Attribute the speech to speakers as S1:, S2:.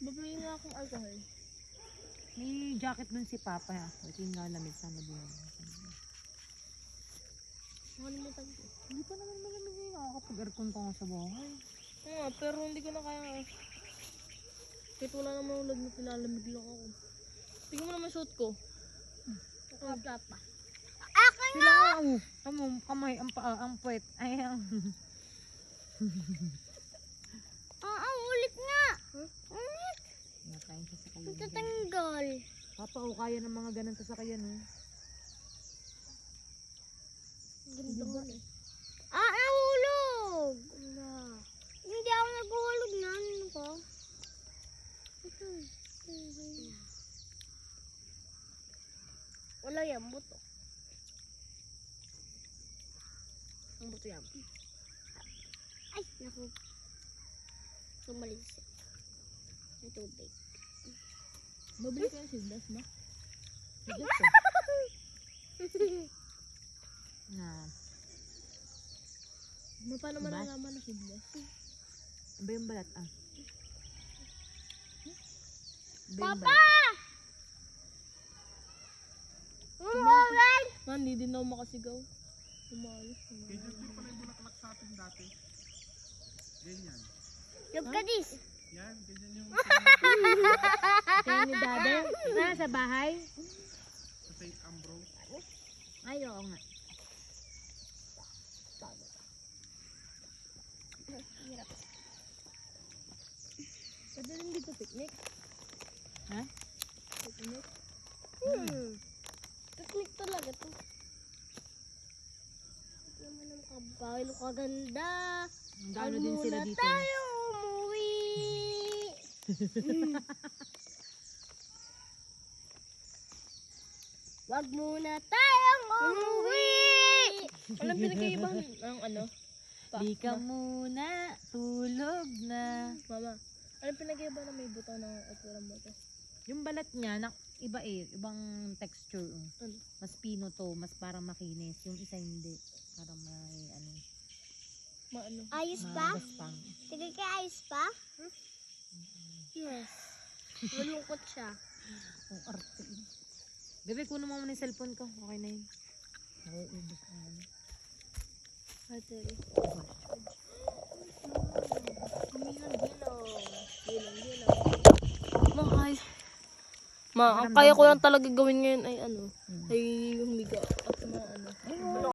S1: Babili na akong alcohol.
S2: May jacket dun si Papa. Ito yung lalamig. Sana buwan.
S1: Nakalimutan ko.
S2: Hindi pa naman malamig eh. Nakakapag-aircon ka nga sa bahay.
S1: Oo, pero hindi ko na kaya. Kahit wala namang ulad na tilalamig lang ako. Tingnan mo naman suot ko. Nakaplat pa.
S2: Sila nga kamay, ang paa, ang puwet. Ay, ang...
S3: Ang ulit nga. Ulit.
S2: Nakain siya sa kayan.
S3: Tatanggal.
S2: Papa, kaya ng mga ganun sa sakayan, oh.
S1: Ganda mo eh.
S3: Nahulog. Hindi ako naghulog na. Ano ko?
S1: Wala yan, buto. Ang buto yan.
S3: Ay, naku. Sumalis. Ang tubig.
S1: Mabili ka ng sildas mo?
S2: Na.
S1: Paano
S2: Diba?
S1: malalaman na sildas?
S2: Iba yung balat, ah. Iba yung
S3: Papa!
S2: balat.
S3: Umulan!
S1: Hindi din ako makasigaw. Umalis.
S4: Ganyan din pala yung bulaklak sa atin dati. Ganyan.
S3: Look at this.
S4: Yan, ganyan yung
S2: Kayo ni Dada? Sa bahay?
S4: sa St. Ambrose.
S2: Ay, oo nga.
S1: Pwede rin dito picnic.
S2: Ha?
S1: Picnic.
S3: Picnic talaga to. Naman ang kabahay. Ano kaganda.
S2: Ang gaano din sila
S3: Muna
S2: dito.
S3: tayo umuwi. Wag muna tayong umuwi.
S1: Alam pinag-iibahan ang ano?
S2: Di ka muna, tulog na.
S1: Mama, alam pinag-iibahan na may buto ng okra mo to?
S2: Yung balat niya, iba eh, ibang texture.
S1: Ano?
S2: Mas pino to, mas parang makinis. Yung isa hindi. Parang may ano.
S1: Maano?
S3: Ayos pa?
S2: Magaspang.
S3: Sige ka, ayos pa?
S1: Yes. Malungkot siya.
S2: Ang arte. Bebe, kunin mo muna yung cellphone ko. Okay na yun. Nauubos ang ano.
S1: Battery. Mahal. Ma, ang kaya ko lang talaga gawin ngayon ay ano, ay humiga.